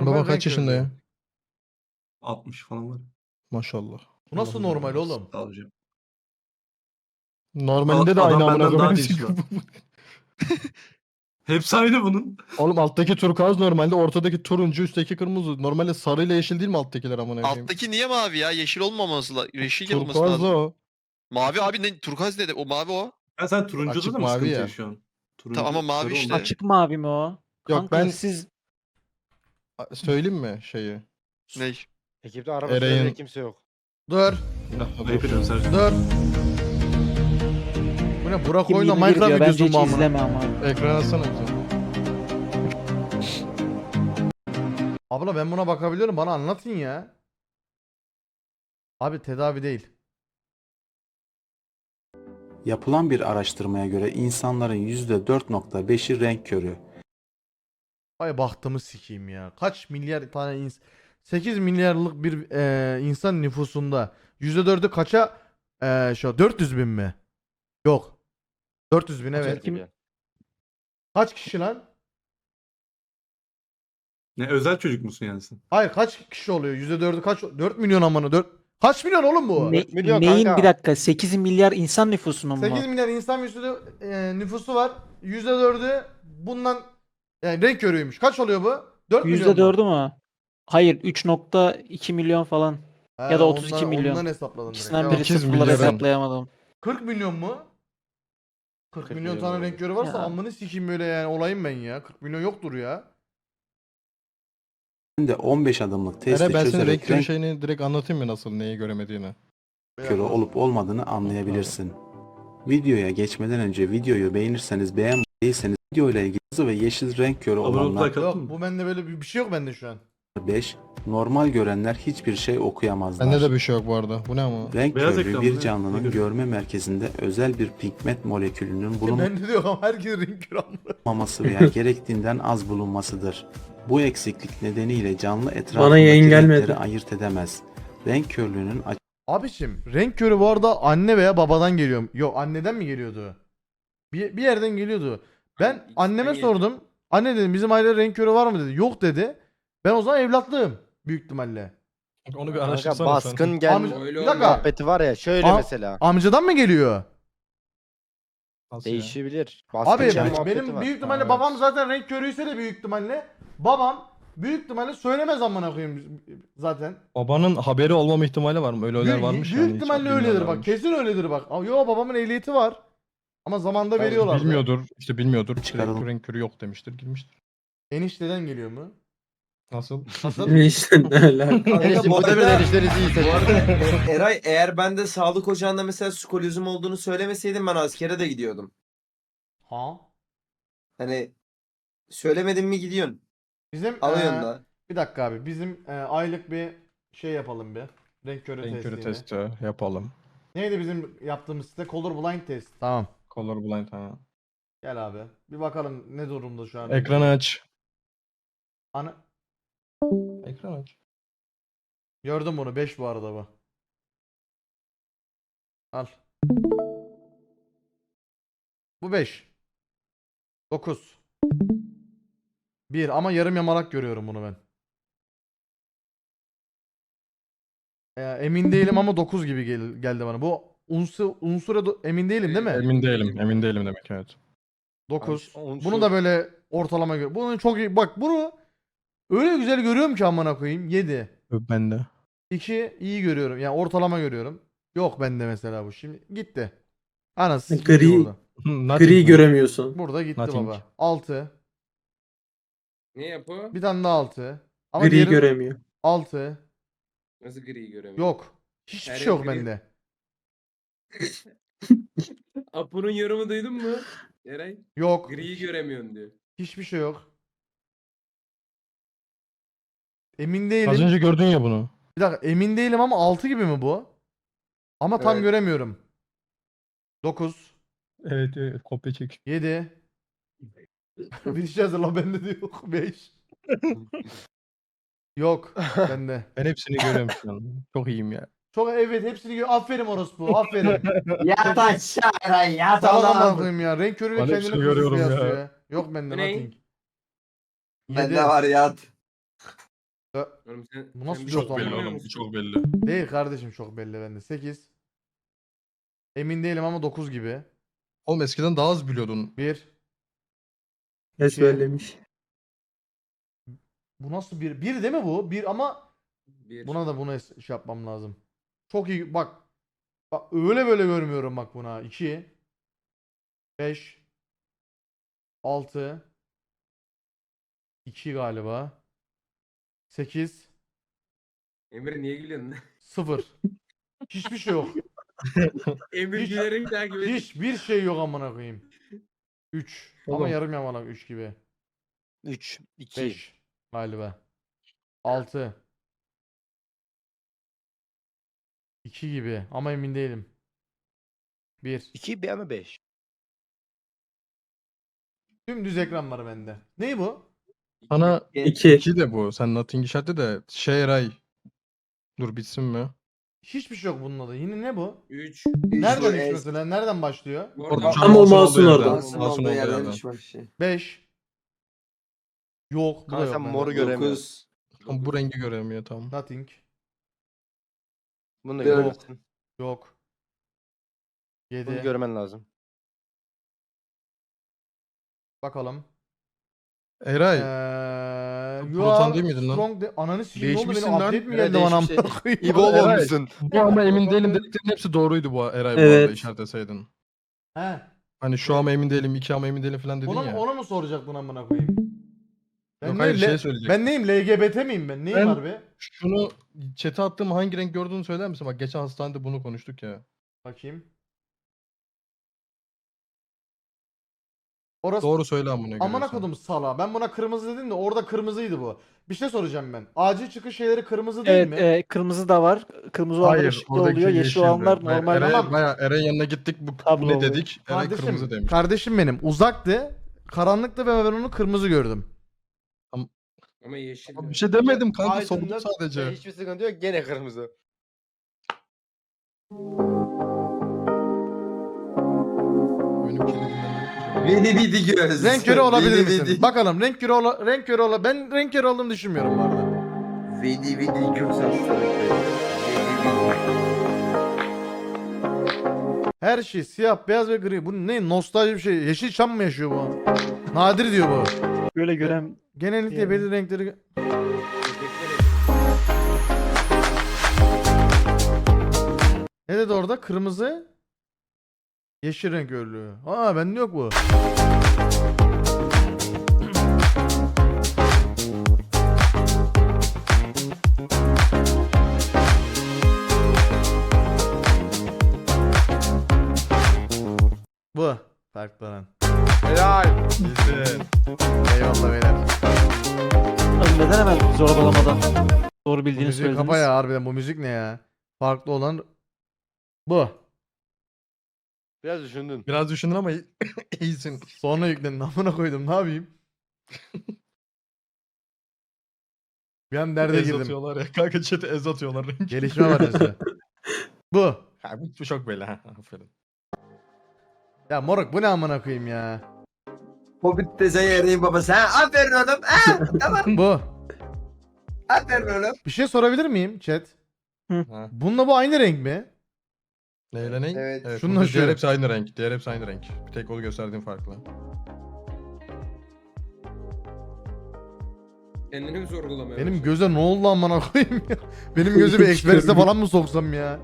normal Baba kaç renk yaşında körlüğü. ya? 60 falan var. Maşallah. Bu nasıl Allah normal Allah. oğlum? Sağ ol hocam. Normalinde de Adam aynı amına benden daha koyayım. değişik var. Hepsi aynı bunun. Oğlum alttaki turkuaz normalde, ortadaki turuncu, üstteki kırmızı. Normalde sarıyla yeşil değil mi alttakiler amına koyayım? Alttaki niye mavi ya? Yeşil olmaması yeşil olması Turkuaz da lazım. o. Mavi abi ne? Turkuaz ne de? O mavi o. Ya sen turuncuda Açık da mı mavi sıkıntı ya. yaşıyorsun? Turuncu, Tamam ama mavi sarı işte. olmuş. Açık mavi mi o? Yok, Kanka ben- siz Söyleyeyim mi şeyi? Ney? Ekipte araba Ereğin- sürecek kimse yok. Dur. Ayıp ediyorum Sercan. Dur. Bu ne? Burak kim oyna 21 Minecraft diyor bence videosu hiç mu amına? izleme ama. Ekran atsana bize. Abla ben buna bakabiliyorum. Bana anlatın ya. Abi tedavi değil. Yapılan bir araştırmaya göre insanların %4.5'i renk körü. Ay bahtımı sikeyim ya. Kaç milyar tane 8 milyarlık bir insan nüfusunda %4'ü kaça şu 400 bin mi? Yok. 400 bin evet. Kim- Kaç kişi lan? Ne özel çocuk musun yani sen? Hayır kaç kişi oluyor? %4'ü kaç? 4 milyon amına 4. Kaç milyon oğlum bu? Ne, 4 milyon neyin kanka. bir dakika 8 milyar insan nüfusunun mu? 8 milyar insan nüfusu var. %4'ü bundan yani renk körüymüş. Kaç oluyor bu? 4 milyon mu? %4'ü mü? Hayır 3.2 milyon falan. He, Ya da 32 milyon. Ondan hesapladım direkt. İkisinden Tamam. biri 8 sıfırla milyarın. hesaplayamadım. 40 milyon mu? 40 milyon tane renk körü varsa Ya. amını sikeyim böyle yani olayım ben ya. 40 milyon yoktur ya. De 15 adımlık testi Ere ben senin çözerek renk körü renk şeyini direkt anlatayım mı, nasıl neyi göremediğini? körü olup olmadığını anlayabilirsin. Videoya geçmeden önce videoyu beğenirseniz, beğenmediyseniz videoyla ilgili kırmızı ve yeşil renk körü Abone olup olanlar like Yok attın mı? bu bende böyle bir şey yok bende şu an. 5, normal görenler hiçbir şey okuyamazlar. Bende de bir şey yok bu arada. Bu ne ama? Renk Beyaz körlüğü ekran bir mı ne? canlının Ne görüyor? görme merkezinde özel bir pigment molekülünün Bende de yok ama herkes renk körü amına. bulunmaması veya gerektiğinden az bulunmasıdır. Bu eksiklik nedeniyle canlı Bana etrafındaki yayın gelmedi. renkleri ayırt edemez. Renk körlüğünün Abiciğim renk körü bu arada anne veya babadan geliyor. Yok anneden mi geliyordu? Bir yerden geliyordu. Ben anneme sordum. Anne dedim bizim ailede renk körü var mı dedi. Yok dedi. Ben o zaman evlatlığım büyük ihtimalle. Onu bir Kanka araştırsana sen. baskın gel Bir dakika. muhabbeti var ya şöyle Am- mesela. Amcadan mı geliyor? Nasıl ya? Değişebilir. Baskın Abi gel muhabbeti benim var. büyük ihtimalle Evet. babam zaten renk körüyse de büyük ihtimalle babam büyük ihtimalle söylemez amına koyayım zaten. Babanın haberi olmama ihtimali var mı? Öyle varmış büyük yani. hiç ihtimalle öyledir bak. bilmiyorlarmış. Kesin öyledir bak. Yo babamın ehliyeti var. Ama zamanında Tabii, veriyorlar. Bilmiyordur. İşte bilmiyordur. Çıkaralım. Direkt renk körü yok demiştir. Girmiştir. Enişteden geliyor mu? Nasıl? Nasıl? İşte ne alaka? Enişte bu muhtemelen arada- enişteniz iyi Bu seçiyor. arada Eray eğer ben de sağlık ocağında mesela skolozum olduğunu söylemeseydim ben askere de gidiyordum. Ha? Hani söylemedin mi gidiyorsun. Bizim Alıyorsun da. bir dakika abi. Bizim aylık bir şey yapalım bir. Renk körü Renk körü testi. testi yapalım. Neydi bizim yaptığımız site? Colorblind test. Tamam. Colorblind ha. Gel abi. Bir bakalım ne durumda şu an. Ekranı aç. Ana... Ekran aç. Gördüm bunu. 5 bu arada bu. Al. Bu 5. 9. 1 ama yarım yamalak görüyorum bunu ben. Emin değilim ama 9 gibi geldi bana. Bu unsura emin değilim değil mi? Emin değilim. Emin değilim demek, evet. 9. Unsur. Bunu da böyle ortalama gör. Bunu çok iyi. Bak bunu öyle güzel görüyorum ki amına koyayım. 7. Ben de. 2 iyi görüyorum. Yani ortalama görüyorum. Yok bende mesela bu. Şimdi gitti. Anası Gri- gitti burada. Nothing Gri mi? göremiyorsun. Burada gitti Nothing. baba. 6. Ne yapıyor? Bir tane daha 6. Ama Gri diğeri göremiyor. 6. Nasıl gri göremiyor? Yok. Hiçbir Her şey yok gri- bende. Apo'nun yorumu duydun mu? Eray Yok. griyi göremiyorsun diyor. Hiçbir şey yok. Emin Az değilim. önce gördün ya bunu. Bir dakika emin değilim ama 6 gibi mi bu? Ama tam Evet. göremiyorum. 9. Evet, evet, kopya çek. 7. Bir şey hazırla bende de yok. 5. Yok bende. Ben hepsini görüyorum şu an. Çok iyiyim ya. Çok evet hepsini gör. Aferin orospu. Aferin. Yat aşağı Eray yat Salak amına koyayım ya. Renk körüyle Ben kendini hepsini görüyorum kıyasıyor ya. ya. Yok bende Bu ne? nothing. Bende 7. var yat. Oğlum sen, Bu nasıl sen bir şey yok Çok belli Bilmiyor oğlum. musun? Çok belli. Değil kardeşim, çok belli bende. 8. Emin değilim ama 9 gibi. Oğlum eskiden daha az biliyordun. 1. Ne İki. söylemiş? Bu nasıl bir? 1 değil mi bu? 1 ama Bir. buna da şey yapmam lazım. Çok iyi bak. Bak öyle böyle görmüyorum bak buna. 2. 5. 6. 2 galiba. 8. Emir niye gülüyorsun? 0. Hiçbir şey yok. Emir Hiç- gülerek takip ediyor. Hiçbir şey yok amına koyayım. 3. Ama Oğlum. yarım yamalak 3 gibi. 3, 2. 5 galiba. 6. 2 gibi ama emin değilim. 1. 2 bir ama 5. Dümdüz ekran var bende. Ney bu? Sana 2. 2 de bu. Sen Nothing işareti de şey Eray. Dur bitsin mi? Hiçbir şey yok bunun adı. Yine ne bu? 3. Nereden 3 mesela? Nereden başlıyor? Orada Tam o mouse'un orada. Mouse'un olduğu yerden. 5. Yok, bu da Kanka yok sen bende. moru göremiyorsun. Tam bu rengi göremiyor tam. Nothing. Bunu da Yok. göremezsin. Yok. Bunu 7. görmen lazım. Bakalım. Eray. You Proton are değil miydin lan? strong Ananı sikeyim, ne oldu, benim Değişmişsin lan. update mi Evet, geldi bana değişmiş. amına koyayım? İbol Eray. olmuşsun. Bu ama emin değilim dediklerin hepsi doğruydu bu Eray bu Evet. arada işaretleseydin. He. Hani şu ama emin değilim, 2 ama emin değilim falan dedin Ona, ya. ona mı soracaktın amına koyayım? Yok hayır neyim, şey söyleyecek. ben neyim, LGBT miyim ben? Neyim Ben- harbi? Şunu chat'e attığım hangi renk gördüğünü söyler misin? Bak geçen hastanede bunu konuştuk ya. Bakayım. Orası Doğru söyle amına amına görüyorsun. kodum sala. Ben buna kırmızı dedim de orada kırmızıydı bu. Bir şey soracağım ben. Acil çıkış şeyleri kırmızı değil Evet, mi? kırmızı da var. Kırmızı olanlar Hayır, ışıklı oradaki oluyor. Yeşil yeşildi. olanlar Hayır, normal. Eray'a, Tamam. bayağı Eray'ın yanına gittik bu Tablo ne oluyor. dedik? Eray kırmızı Kardeşim, demiş. kardeşim benim uzaktı. Karanlıktı ve ben onu kırmızı gördüm. Ama yeşil. Bir şey demedim kanka Aydınlık sordum ve sadece. hiçbir sıkıntı yok. Gene kırmızı. Benimkini dinlemedim. Beni bidi göz. Renk körü olabilir Beni misin? bidi. Bakalım renk körü renk körü ben renk körü olduğumu düşünmüyorum bu arada. Beni bidi göz hastalıkları. Her şey siyah, beyaz ve gri. Bu ne nostalji bir şey. Yeşilçam mı yaşıyor bu? Nadir diyor bu. Böyle gören Genellikle Yani. belirli renkleri... Ne dedi orada? Kırmızı, yeşil renk örlüğü. Aa bende yok bu. Bu. Farklanan. Helal. İyisin. Eyvallah beyler. Abi neden hemen zorbalamadan doğru Bu bildiğini müziği söylediniz? kapa ya harbiden, bu müzik ne ya? Farklı olan bu. Biraz düşündün. Biraz düşündün ama iyisin. Sonra yükledim. Amına koydum. Ne yapayım? Bir an derde Ez girdim. atıyorlar ya. Kanka chat'e ez atıyorlar. renk. Gelişme var neyse. Bu. Ha, bu çok belli ha. Aferin. Ya moruk bu ne amına koyayım ya. Hobbit de yarayın babası. Ha aferin oğlum. Ha tamam. Bu. Aferin oğlum. Bir şey sorabilir miyim chat? Ha. Bununla bu aynı renk mi? Neyle ne? Evet. Şununla burada şu. Diğer hepsi aynı renk. Diğer hepsi aynı renk. Bir tek onu gösterdiğim farklı. Kendini mi sorgulamaya Benim başladın? göze ne oldu amına koyayım ya? Benim gözü bir eksperiste falan mı soksam ya?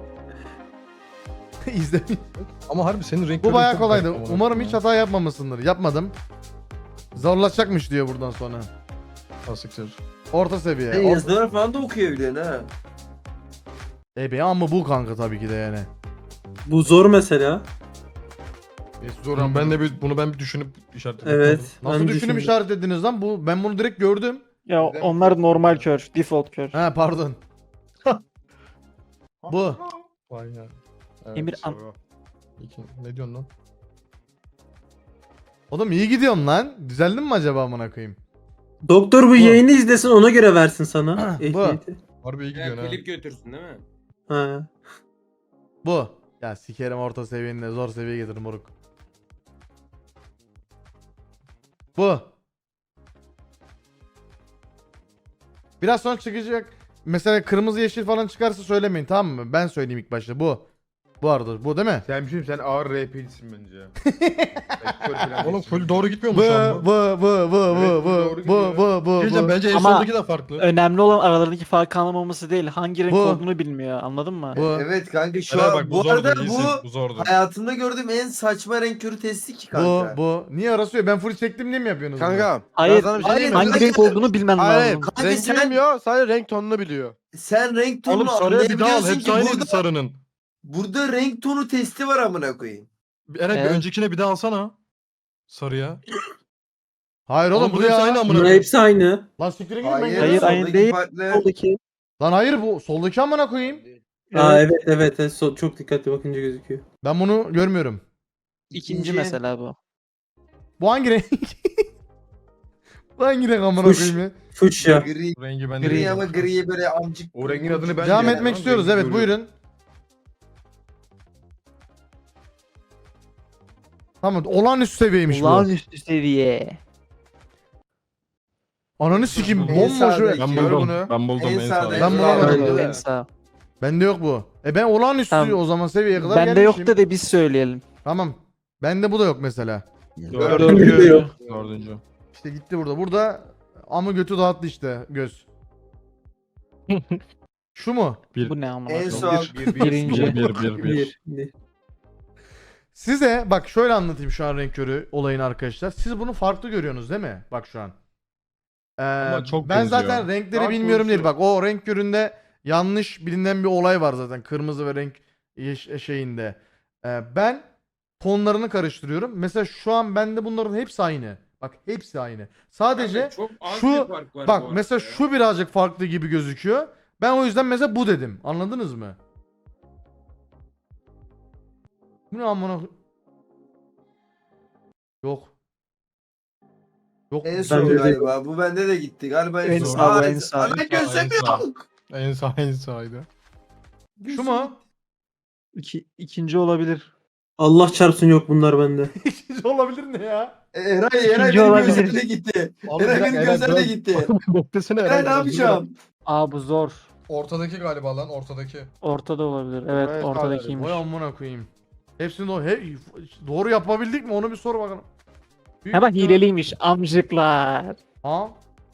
İzle. Ama harbi senin renk Bu körün bayağı çok kolaydı. garip amına Umarım koyayım hiç ya. hata yapmamışsındır. Yapmadım. Zorlaşacakmış diyor buradan sonra. Ha, siktir. Orta seviye. Sen yazılar falan da okuyabiliyorsun ha. Be ama bu kanka tabii ki de yani. Bu zor mesela. Tamam, ben de bunu bir düşünüp işaretledim. Evet. Nasıl düşünüp işaretlediniz lan? Ben bunu direkt gördüm. Ya onlar normal kör, default kör. He pardon. Bu. Vay ya. Evet, Emir soru. Ne diyorsun lan? Oğlum iyi gidiyorum lan. Düzeldin mi acaba amına koyayım? Doktor bu Bu. yayını izlesin ona göre versin sana. Bu. ehliyeti. Harbi iyi gidiyorsun ha. Klip götürsün değil mi? Ha. Bu. Ya sikerim orta seviyenin de zor seviyeye getirin moruk. Bu. Biraz sonra çıkacak. Mesela kırmızı yeşil falan çıkarsa söylemeyin, tamam mı? Ben söyleyeyim ilk başta. Bu arada bu değil mi? Sen bir şey sen ağır RP'lisin bence. Oğlum full doğru gitmiyor Bu mu şu an bu? bu. Diyeceğim, bence en Ama- sondaki de farklı. Önemli olan aralarındaki farkı anlamaması değil. Hangi renk Bu. olduğunu bilmiyor. Anladın mı? Bu. Evet kanka şu Helal an bak, bu zordu, arada iyisin, bu zordu. hayatımda gördüğüm en saçma renk körü testi ki Bu kanka. bu. Niye arasıyor? Ben full çektim diye mi yapıyorsunuz? bunu? Kanka. Hayır, ben sana bir şey hayır, diyeyim mi? Hangi Hayır, renk olduğunu bilmen Hayır, lazım. Kanka rengi sen- bilmiyor, sadece renk tonunu biliyor. Sen renk Oğlum tonunu sarıya bir daha al. anlayabiliyorsun Hepsi ki aynıydı burada, sarının. burada renk tonu testi var amına koyayım. Eren bir Evet. öncekine bir daha alsana. Sarıya. Hayır oğlum bu bu hepsi aynı ya. amına Bunlar koyayım. hepsi aynı. Lan siktirin gidin ben Hayır, geliyorum. Hayır, aynı soldaki değil. farklı. Soldaki. Lan hayır bu soldaki amına koyayım. Aa evet evet, evet. Çok dikkatli bakınca gözüküyor. Ben bunu görmüyorum. İkinci mesela bu. Bu hangi renk? Bu hangi renk amına Fuş. koyayım ya? Fuşya. Gri, Rengi bende gri değil. ama griye böyle amcık. O rengin adını ben Devam de etmek yani, istiyoruz, rengi evet görüyorum. buyurun. Tamam, olağanüstü seviyeymiş bu. Olağanüstü seviye. Ananı sikeyim, En bomboş sağdaki. ve... Ben Gör buldum. bunu. Ben buldum En en sağda, sağda. en Ben bulamadım. sağda. En sağ. Bende yok bu. Ben olağanüstü Tamam. o zaman seviyeye kadar Bende yok gelmişim. da biz söyleyelim. Tamam. Bende bu da yok mesela. Dördüncü yok. Dördüncü. İşte gitti burada. Burada amı götü dağıttı işte göz. Şu mu? Bu ne amına En koyayım? son Birinci. Bir. Size bak şöyle anlatayım şu an renk körü olayını arkadaşlar. Siz bunu farklı görüyorsunuz değil mi? Bak şu an. çok ben benziyor. zaten renkleri Daha bilmiyorum değil. konuşuyor. Bak o renk köründe yanlış bilinen bir olay var zaten. Kırmızı ve renk şeyinde. Ben tonlarını karıştırıyorum. Mesela şu an bende bunların hepsi aynı. Bak hepsi aynı. Sadece Çok az şu- bir fark var bak bu mesela arada ya. şu birazcık farklı gibi gözüküyor. Ben o yüzden mesela bu dedim. Anladınız mı? Bu ne amına? Yok. Yok. en mu? son Bende de- galiba. Bu bende de gitti. Galiba En son. sağ, bu Aa, en sağ. aa, ben gözlemiyorum. En sağ en sağydı. Şu mu? İkinci olabilir. Allah çarpsın yok bunlar bende. İkinci olabilir ne ya? Eray İkinci benim olabilir. gözlerim de gitti. Eray benim gözlerim de gitti. Beklesene Eray ne yapacağım? Aa bu zor. Ortadaki galiba lan ortadaki. Ortada olabilir. Evet Evet, ortadakiymiş. Vay amına koyayım. Hepsini doğru yapabildik mi? Onu bir sor bakalım. Büyük Hemen ihtimal- hileliymiş amcıklar. Ha?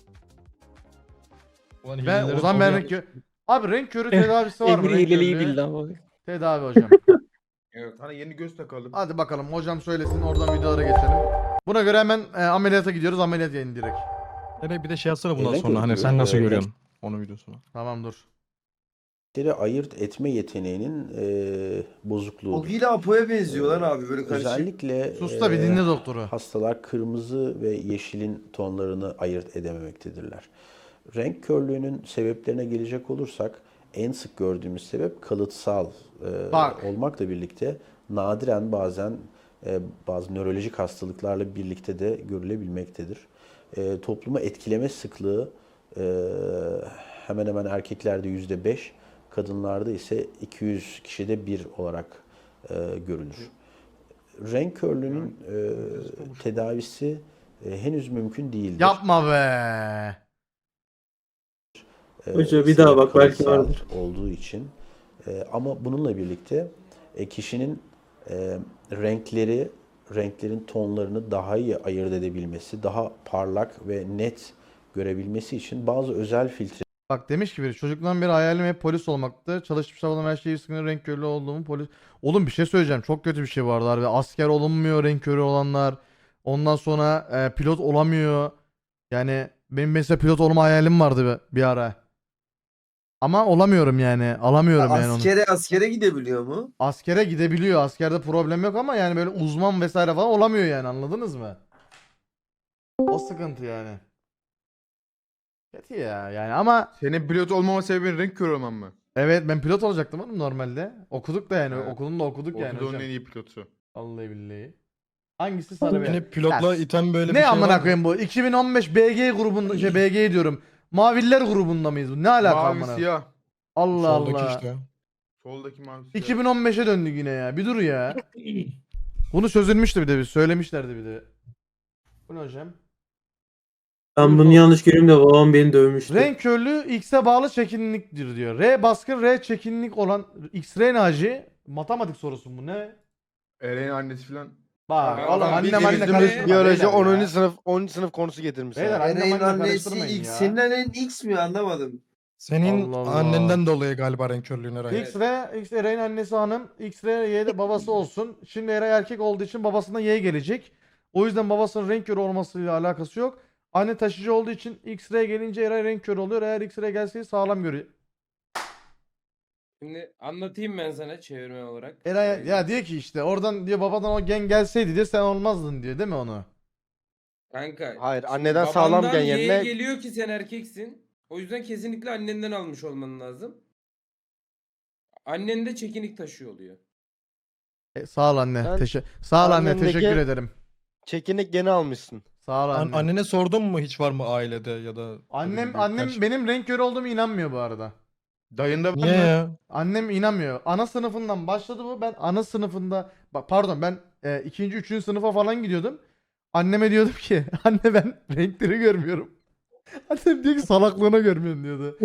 Ulan Ben hileleri o zaman ben sonu renk körü... Abi renk körü tedavisi var mı? Emir Renk hileliyi körlüğü? bildi ama. Tedavi hocam. Sana yeni göz takalım. Hadi bakalım hocam söylesin, oradan videolara geçelim. Buna göre hemen ameliyata gidiyoruz. Ameliyat yayın direkt. Nereye bir de şey yazsana bundan Renk sonra hani körü, sen nasıl renk- görüyorsun onun videosunu. Tamam dur. ayırt etme yeteneğinin bozukluğu. O hile Apo'ya benziyor lan abi böyle karışık. Özellikle Sus da bir dinle doktoru. hastalar kırmızı ve yeşilin tonlarını ayırt edememektedirler. Renk körlüğünün sebeplerine gelecek olursak en sık gördüğümüz sebep kalıtsal Bak. olmakla birlikte nadiren bazen bazı nörolojik hastalıklarla birlikte de görülebilmektedir. Topluma etkileme sıklığı hemen hemen erkeklerde %5, kadınlarda ise 200 kişide 1 olarak görülür. Renk körlüğünün tedavisi henüz mümkün değildir. Yapma be. Hoca bir daha bak, belki kalıtsal vardır. olduğu için. Ama bununla birlikte kişinin renklerin tonlarını daha iyi ayırt edebilmesi, daha parlak ve net görebilmesi için bazı özel filtre Bak demiş ki biri, çocukluğumdan beri hayalim hep polis olmaktı. Çalışmış çabaladım, her şeyi sıkıntı, renk körlüğü olduğumu polis. Oğlum bir şey söyleyeceğim, çok kötü bir şey vardı harbi. Asker olunmuyor renk körü olanlar. Ondan sonra pilot olamıyor. Yani benim mesela pilot olma hayalim vardı bir ara. Ama olamıyorum yani. Alamıyorum yani onu. Askere gidebiliyor mu? Askere gidebiliyor. Askerde problem yok ama yani böyle uzman vesaire falan olamıyor yani, anladınız mı? O sıkıntı yani. Kötü ya yani ama Senin pilot olmama sebebin renk körü olman mı? evet ben pilot olacaktım oğlum normalde. Okuduk da yani. Evet. Okulunda okuduk yani Ortadoğu'nun hocam. en iyi pilotu. Vallahi billahi. Hangisi sarı be? Beni pilotla Ya, iten böyle bir Ne şey amına var mı? koyayım bu? 2015 BG grubunda BG diyorum. Maviller grubunda mıyız bu? Ne alaka Mavi amına? siyah. Allah Soldaki Allah. işte. Soldaki mavi siyah. 2015'e döndük yine ya. Bir dur ya. Bunu çözülmüştü bir de, bir söylemişlerdi bir de. Bu ne hocam? Ben bunu yanlış görüyorum da babam beni dövmüştü. Renk körlüğü X'e bağlı çekinliktir diyor. R baskın, R çekinlik olan X-ray Naci. Matematik sorusu bu ne? Eren'in annesi falan. Bak Ya oğlum adam annem bildiğimiz anne biyoloji- karıştırma. Biyoloji beyler 10. ya. sınıf 10. sınıf konusu getirmiş. Beyler, annem Eren'in anne annesi karıştırmayın X. ya. Senin annen X mi anlamadım. Senin Allah Allah. annenden dolayı galiba renk körlüğüne Eray. X Eray'ın annesi hanım. X-ray Y'de babası olsun. Şimdi Eray erkek olduğu için babasından Y gelecek. O yüzden babasının renk körü olmasıyla alakası yok. Anne taşıcı olduğu için X-ray gelince Eray renk körü oluyor. Eğer X-ray gelseydi sağlam görüyor. Şimdi anlatayım ben sana çevirme olarak. Eray ya diyor ki işte oradan diyor babadan o gen gelseydi diyor sen olmazdın diyor değil mi onu? Kanka. Hayır, şimdi anneden sağlam babandan gen Y yerine- geliyor ki sen erkeksin. O yüzden kesinlikle annenden almış olman lazım. Annen de çekinik taşıyor oluyor. Sağ ol anne. Sen Sağ ol anne annendeki- teşekkür ederim. Çekinik geni almışsın. Sağ ol anne. Annene sordun mu hiç var mı ailede ya da Annem benim renk körü olduğumu inanmıyor bu arada. Dayında var Niye mı? ya? Annem inanmıyor. Ana sınıfından başladı bu. Ben ana sınıfında bak pardon ben ikinci, üçüncü sınıfa falan gidiyordum. Anneme diyordum ki anne ben renkleri görmüyorum. Annem diyor ki salaklığına görmüyorum diyordu.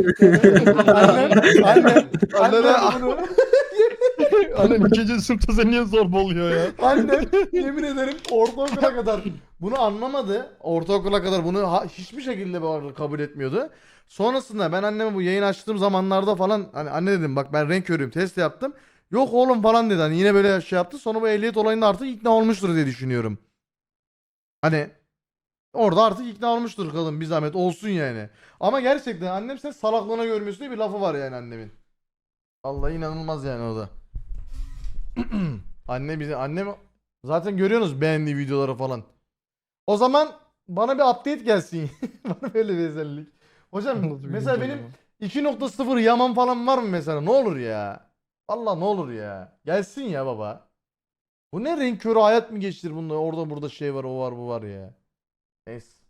annem bunu Annen 2. sınıfta sen niye zorba oluyor ya? annem yemin ederim ortaokula kadar bunu anlamadı. Ortaokula kadar bunu hiçbir şekilde bu arada kabul etmiyordu. Sonrasında ben anneme bu yayın açtığım zamanlarda falan hani anne dedim bak ben renk körüyüm test yaptım. Yok oğlum falan dedi hani yine böyle şey yaptı. Sonra bu ehliyet olayında artık ikna olmuştur diye düşünüyorum. Hani orada artık ikna olmuştur kadın bir zahmet olsun yani. Ama gerçekten annem sen salaklığına görmüyorsun diye bir lafı var yani annemin. Allah inanılmaz yani o da. Annem zaten görüyorsunuz beğendiği videoları falan. O zaman bana bir update gelsin. Bana böyle bir özellik. Hocam Nasıl bir mesela güncelleme? benim 2.0 yaman falan var mı mesela? Ne olur ya. Allah ne olur ya. Gelsin ya baba. Bu ne renk körü hayat mı geçtir bunda? Orada burada şey var o var bu var ya. Neyse.